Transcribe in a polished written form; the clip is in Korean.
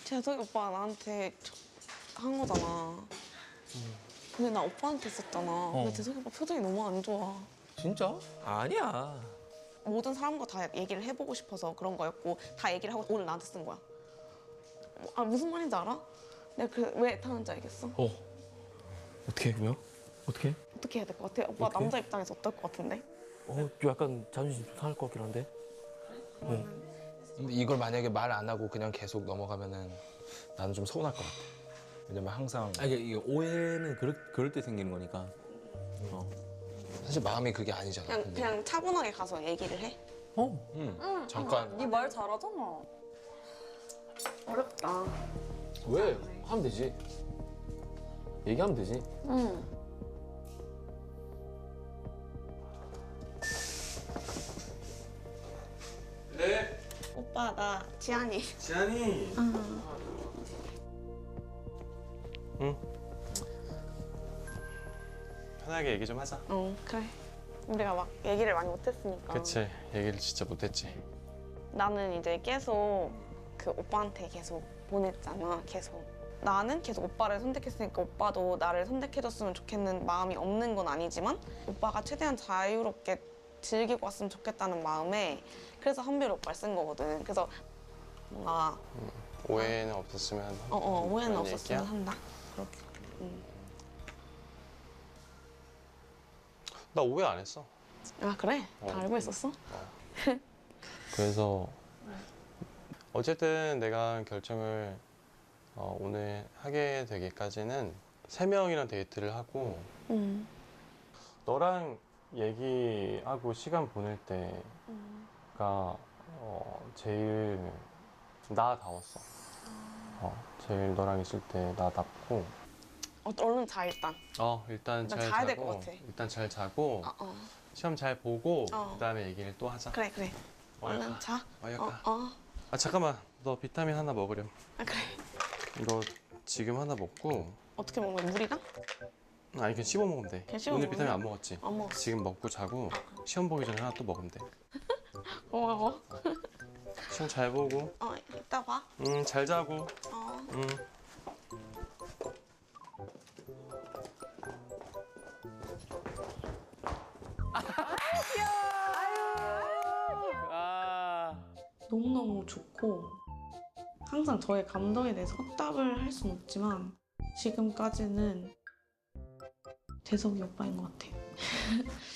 재석이 오빠가 나한테 한 거잖아. 근데 나 오빠한테 했었잖아. 근데 재석이 오빠 표정이 너무 안 좋아. 진짜? 아니야. 모든 사람과 다 얘기를 해보고 싶어서 그런 거였고 다 얘기를 하고 오늘 나한테 쓴 거야. 아 무슨 말인지 알아? 내가 왜 타는지 알겠어? 어떻게 그러면? 어떻게? 어떻게 해야 될 것 같아? 오빠 어떡해? 남자 입장에서 어떨 것 같은데? 좀 약간 자존심 좀 상할 것 같긴 한데. 근데 이걸 만약에 말 안 하고 그냥 계속 넘어가면은 나는 좀 서운할 것 같아. 왜냐면 항상 이게 오해는 그럴 때 생기는 거니까. 사실 마음이 그게 아니잖아. 근데. 그냥 차분하게 가서 얘기를 해? 잠깐. 네 말 잘하잖아. 어렵다. 왜? 하면 되지. 얘기하면 되지. 네, 오빠 나 지안이. 지안이. 응. 편하게 얘기 좀 하자. 그래. 우리가 막 얘기를 많이 못했으니까. 그치, 얘기를 진짜 못했지. 나는 이제 계속 그 오빠한테 계속 보냈잖아. 계속. 나는 계속 오빠를 선택했으니까 오빠도 나를 선택해줬으면 좋겠는 마음이 없는 건 아니지만 오빠가 최대한 자유롭게 즐기고 왔으면 좋겠다는 마음에 그래서 한별 오빠를 쓴 거거든. 그래서 뭔가 오해는 없었으면. 오해는 그런 없었으면 얘기야? 한다. 그렇게. 나 오해 안 했어. 아 그래? 다 알고 있었어? 그래서 어쨌든 내가 결정을 오늘 하게 되기까지는 3명이랑 데이트를 하고 너랑 얘기하고 시간 보낼 때가 제일 나다웠어. 제일 너랑 있을 때 나답고. 얼른 자 일단. 일단 나 잘 자야 될 자고. 것 같아. 일단 잘 자고 어. 시험 잘 보고 어. 그다음에 얘기를 또 하자. 그래. 얼른 가. 자. 가. 아 잠깐만, 너 비타민 하나 먹으렴. 아 그래. 이거 지금 하나 먹고. 어떻게 먹는 거야? 물이랑? 아니 그냥 씹어 먹으면 돼. 그냥 씹어 오늘 먹으면 비타민 돼? 안 먹었지? 안 먹었어. 지금 먹고 자고 시험 보기 전에 하나 또 먹으면 돼. 고마워. 시험 잘 보고. 이따 봐. 잘 자고. 어. 너무너무 좋고 항상 저의 감정에 대해서 헛답을 할 수는 없지만 지금까지는 재석이 오빠인 것 같아요.